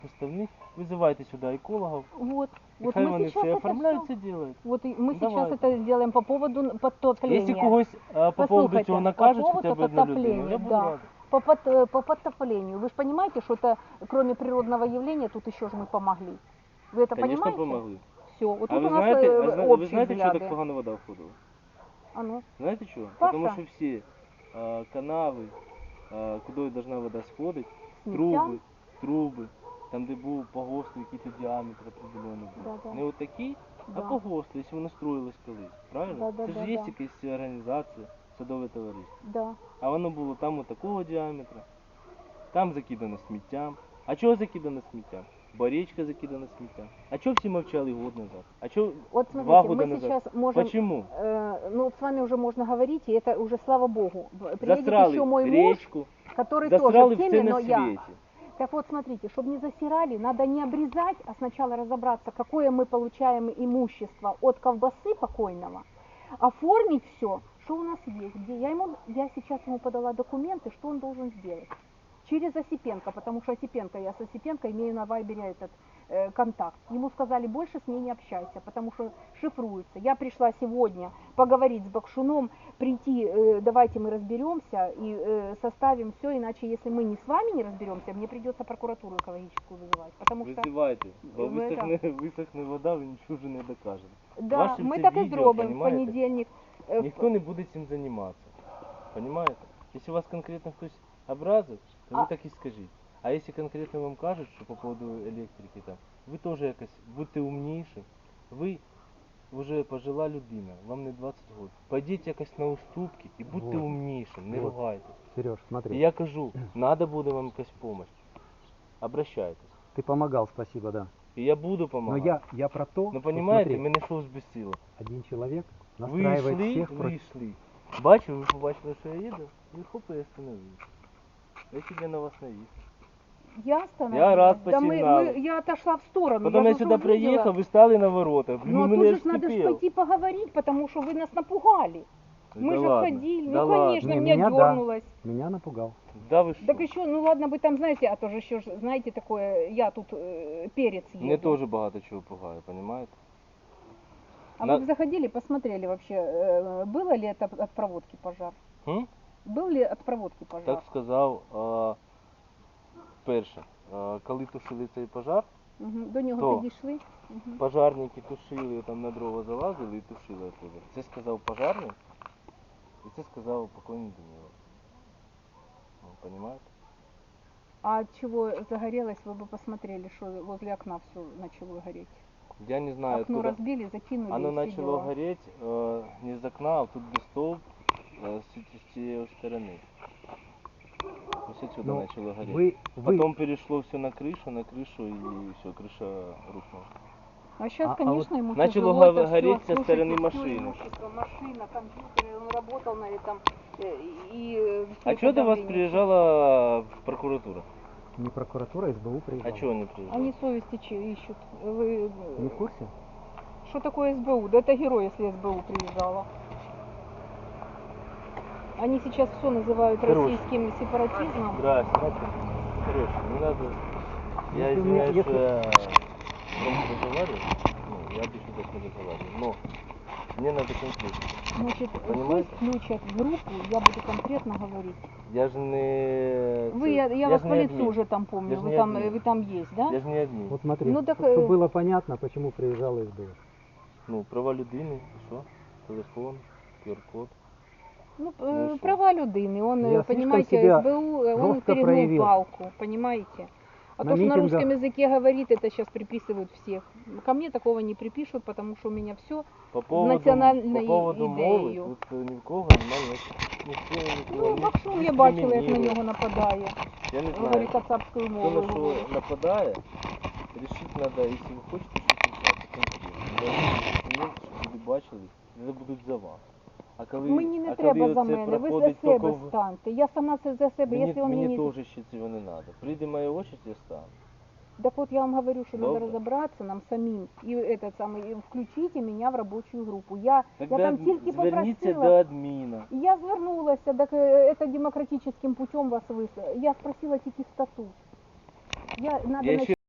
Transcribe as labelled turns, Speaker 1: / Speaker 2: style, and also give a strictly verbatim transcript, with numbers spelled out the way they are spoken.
Speaker 1: Поставных, вызывайте сюда экологов,
Speaker 2: Вот.
Speaker 1: и
Speaker 2: Вот
Speaker 1: хай
Speaker 2: мы
Speaker 1: вони
Speaker 2: сейчас
Speaker 1: все
Speaker 2: это
Speaker 1: оформляют,
Speaker 2: всё-
Speaker 1: все делают.
Speaker 2: Вот и мы сейчас
Speaker 1: Давайте.
Speaker 2: это сделаем по поводу подтопления.
Speaker 1: Якщо когось а, по поводу
Speaker 2: Послушайте,
Speaker 1: цього
Speaker 2: по
Speaker 1: накажуть
Speaker 2: поводу
Speaker 1: хоча б одну людину,
Speaker 2: подтопления,
Speaker 1: я буду
Speaker 2: да.
Speaker 1: радий.
Speaker 2: По, под- э, по подтоплению. Вы же понимаете, что это кроме природного явления, тут еще же мы помогли. Вы это
Speaker 1: Звісно,
Speaker 2: понимаете?
Speaker 1: помогли.
Speaker 2: Все. Вот
Speaker 1: А
Speaker 2: тут
Speaker 1: ви
Speaker 2: у нас
Speaker 1: знаєте,
Speaker 2: э,
Speaker 1: а зна- ви
Speaker 2: общие
Speaker 1: знаєте, чого
Speaker 2: взгляды.
Speaker 1: так погано вода входила?
Speaker 2: А ну.
Speaker 1: Знаєте чого?
Speaker 2: Паша?
Speaker 1: Тому що всі а, канави, а, куди должна вода сходити,
Speaker 2: Сміття?
Speaker 1: труби, труби, там де був погост, який-то діаметр определенний був.
Speaker 2: Да, да.
Speaker 1: Не отакий, а
Speaker 2: Да.
Speaker 1: погост, якщо воно строїлось колись, правильно?
Speaker 2: Да, да,
Speaker 1: Це ж
Speaker 2: да,
Speaker 1: є
Speaker 2: да.
Speaker 1: якась організація, садове товариство.
Speaker 2: Да.
Speaker 1: А воно було там отакого діаметра, там закидано сміттям. А чого закидано сміттям? Бо річка закидана сміттям. А чого всі мовчали год назад? А чого
Speaker 2: Вот
Speaker 1: два
Speaker 2: смотрите,
Speaker 1: года
Speaker 2: мы
Speaker 1: назад?
Speaker 2: сейчас можем,
Speaker 1: Почему?
Speaker 2: э, ну вот с вами уже можно говорить, и это уже слава богу. Приедет
Speaker 1: Засрали
Speaker 2: еще мой муж,
Speaker 1: речку,
Speaker 2: который
Speaker 1: засрали
Speaker 2: тоже в
Speaker 1: все
Speaker 2: теме,
Speaker 1: на
Speaker 2: но я.
Speaker 1: свете.
Speaker 2: Так вот, смотрите, чтобы не засирали, надо не обрезать, а сначала разобраться, какое мы получаем имущество от колбасы покойного, оформить все, что у нас есть, где я ему, я сейчас ему подала документы, что он должен сделать. Через Осипенко, потому что Осипенко, я с Осипенко имею на Вайбере этот э, контакт. Ему сказали, больше с ней не общайся, потому что шифруется. Я пришла сегодня поговорить с Бакшуном, прийти, э, давайте мы разберемся и э, составим все, иначе если мы не с вами не разберемся, мне придется прокуратуру экологическую вызывать. Потому что,
Speaker 1: Визивайте, бо
Speaker 2: ви
Speaker 1: висохне, висохне вода, ви нічого вже не докажете.
Speaker 2: да,
Speaker 1: Ваше
Speaker 2: мы
Speaker 1: це
Speaker 2: так и
Speaker 1: відео,
Speaker 2: зробимо в
Speaker 1: понімаєте?
Speaker 2: понедельник. Э,
Speaker 1: Ніхто не буде цим займатися. Понимаете? Якщо вас конкретно хтось образив, то ви
Speaker 2: А-
Speaker 1: так і скажіть. А якщо конкретно вам кажуть, що по поводу електрики там, ви теж якось будьте умніші. Ви вже пожила людина, вам не двадцять років. Пойдіть якось на уступки і будьте
Speaker 3: Вот.
Speaker 1: умнішим, не
Speaker 3: Вот.
Speaker 1: ругайтесь.
Speaker 3: Сереж,
Speaker 1: І
Speaker 3: смотри,
Speaker 1: я кажу, надо буде вам якась допомога. Обращайтесь.
Speaker 3: ты помогал, спасибо, да.
Speaker 1: І я буду
Speaker 3: Но
Speaker 1: допомагати.
Speaker 3: я, я про то,
Speaker 1: Ну
Speaker 3: что,
Speaker 1: понимаете,
Speaker 3: смотри,
Speaker 1: мене що збесило.
Speaker 3: один человек
Speaker 1: Ви
Speaker 3: настраивает
Speaker 1: йшли,
Speaker 3: всех
Speaker 1: ви
Speaker 3: против...
Speaker 1: йшли. Бачив, ви побачили, що я їду, і хоп, я остановився. Я тебе на вас навіз.
Speaker 2: Я остановилась.
Speaker 1: Я раз
Speaker 2: Да мы,
Speaker 1: посигналил.
Speaker 2: мы, я отошла в сторону.
Speaker 1: Потом
Speaker 2: я
Speaker 1: я
Speaker 2: же
Speaker 1: сюда
Speaker 2: уже увидела.
Speaker 1: приехал, вы стали на воротах. Блин,
Speaker 2: Ну а
Speaker 1: у
Speaker 2: тут
Speaker 1: меня
Speaker 2: же ж надо ж
Speaker 1: вскипел.
Speaker 2: пойти поговорить, потому что вы нас напугали. Мы
Speaker 1: Да
Speaker 2: же
Speaker 1: ладно,
Speaker 2: ходили.
Speaker 1: да
Speaker 2: Ну
Speaker 1: ладно.
Speaker 2: конечно,
Speaker 3: Не,
Speaker 2: меня,
Speaker 3: меня да.
Speaker 2: дернулось.
Speaker 3: Меня напугал.
Speaker 1: Да вы что?
Speaker 2: Так еще, ну ладно бы там, знаете, а то же еще, ж, знаете, такое, я тут э, перец еду.
Speaker 1: Мне тоже багато чего пугает, понимаете?
Speaker 2: А
Speaker 1: на-
Speaker 2: вы бы заходили, посмотрели вообще, э, было ли это от проводки пожар?
Speaker 1: М?
Speaker 2: Был ли от проводки пожар?
Speaker 1: Так сказав, а, перше, а, коли тушили цей пожар,
Speaker 2: Угу. До нього
Speaker 1: То.
Speaker 2: підійшли. Угу.
Speaker 1: пожарники тушили, там на дрова залазили і тушили оттуда. Це сказав пожарник, і це сказав покойний Данило. Ну, понимаете?
Speaker 2: А от чего загорелось, вы бы посмотрели, что возле окна все начало гореть.
Speaker 1: Я не знаю,
Speaker 2: Окно
Speaker 1: откуда
Speaker 2: разбили, закинули.
Speaker 1: оно
Speaker 2: и все
Speaker 1: начало
Speaker 2: дела.
Speaker 1: гореть э, не из окна, а тут где столб э, с, с той стороны. То есть отсюда
Speaker 3: Ну,
Speaker 1: начало гореть.
Speaker 3: вы, вы...
Speaker 1: Потом перешло все на крышу, на крышу и все, крыша рухнула.
Speaker 2: А сейчас,
Speaker 3: А- а
Speaker 2: конечно, ему
Speaker 1: начало
Speaker 2: тяжело это
Speaker 1: гореть
Speaker 2: всё.
Speaker 1: со
Speaker 2: Слушайте,
Speaker 1: стороны
Speaker 2: всё
Speaker 1: машины.
Speaker 2: имущество, машина, компьютер, он работал на этом. э, И, э, всё
Speaker 1: А
Speaker 2: это
Speaker 1: что до вас
Speaker 2: давление.
Speaker 1: приезжала прокуратура?
Speaker 3: Не прокуратура, а СБУ приезжала.
Speaker 1: А чего они приезжали?
Speaker 2: Они совести че- ищут. Вы...
Speaker 3: Не в курсе?
Speaker 2: Что такое СБУ? Да это герой, если СБУ приезжала. Они сейчас все называют
Speaker 1: Короче.
Speaker 2: российским сепаратизмом.
Speaker 1: Здрасте. Короче, не надо... Я
Speaker 3: Если у меня-
Speaker 1: извиняюсь, что
Speaker 3: если-
Speaker 1: я громко разговариваю. Ну, я обычно так не разговариваю. Но мне надо конкретно.
Speaker 2: Значит,
Speaker 1: Понимаете?
Speaker 2: пусть включат в группу, я буду конкретно говорить.
Speaker 1: Я же не...
Speaker 2: Вы, я, я
Speaker 1: ж
Speaker 2: вас
Speaker 1: не
Speaker 2: по лицу
Speaker 1: админ.
Speaker 2: уже там помню,
Speaker 1: Я ж
Speaker 2: вы
Speaker 1: не
Speaker 2: там,
Speaker 1: админ.
Speaker 2: вы там есть, да?
Speaker 1: Я же не админ.
Speaker 3: Вот смотри,
Speaker 2: Ну, так,
Speaker 3: чтобы
Speaker 2: э,
Speaker 3: было понятно, почему приезжала СБУ.
Speaker 1: Ну, права людини, що? Телефон, ку ар код.
Speaker 2: Ну,
Speaker 1: Ну
Speaker 2: э,
Speaker 1: и шо?
Speaker 2: права людини, он,
Speaker 3: Я
Speaker 2: э,
Speaker 3: слишком
Speaker 2: понимаете,
Speaker 3: себя
Speaker 2: СБУ, э, он
Speaker 3: жестко
Speaker 2: перегнул
Speaker 3: проявил.
Speaker 2: палку, понимаете? А
Speaker 3: На
Speaker 2: то, что на
Speaker 3: митингах-
Speaker 2: русском языке говорит, это сейчас приписывают всех. Ко мне такого не припишут, потому что у меня все.
Speaker 1: По поводу,
Speaker 2: національною
Speaker 1: по поводу мови,
Speaker 2: ідеєю.
Speaker 1: тут е, ні в кого немає ніяких- ніхто нікого
Speaker 2: Ну,
Speaker 1: не
Speaker 2: Бакшун я бачила, як на
Speaker 1: дискримінує.
Speaker 2: нього нападає.
Speaker 1: Я не знаю,
Speaker 2: Говорить кацапською
Speaker 1: хто
Speaker 2: мовою.
Speaker 1: на що
Speaker 2: говорить.
Speaker 1: нападає, рішити треба, якщо ви хочете щось рішати, конкретно. Документи, щоб люди бачили, це будуть за вас. А коли,
Speaker 2: Мені не
Speaker 1: а
Speaker 2: треба
Speaker 1: коли
Speaker 2: за
Speaker 1: оце
Speaker 2: мене, ви за
Speaker 1: проходить
Speaker 2: себе
Speaker 1: тільки в-
Speaker 2: станьте. Я сама це за себе,
Speaker 1: Мені,
Speaker 2: якщо він
Speaker 1: мені
Speaker 2: мені...
Speaker 1: теж ще цього не треба. Прийде моя очередь, я стану.
Speaker 2: Так вот я вам говорю, что надо
Speaker 1: Добре.
Speaker 2: разобраться нам самим и этот самый, и включите меня в рабочую группу. Я, я
Speaker 1: Тогда
Speaker 2: там тільки
Speaker 1: зверніться
Speaker 2: попросила.
Speaker 1: до адміна.
Speaker 2: І я звернулася, так е, это демократическим путем вас вис... Я спросила тільки статут. Я, надо
Speaker 1: Я ще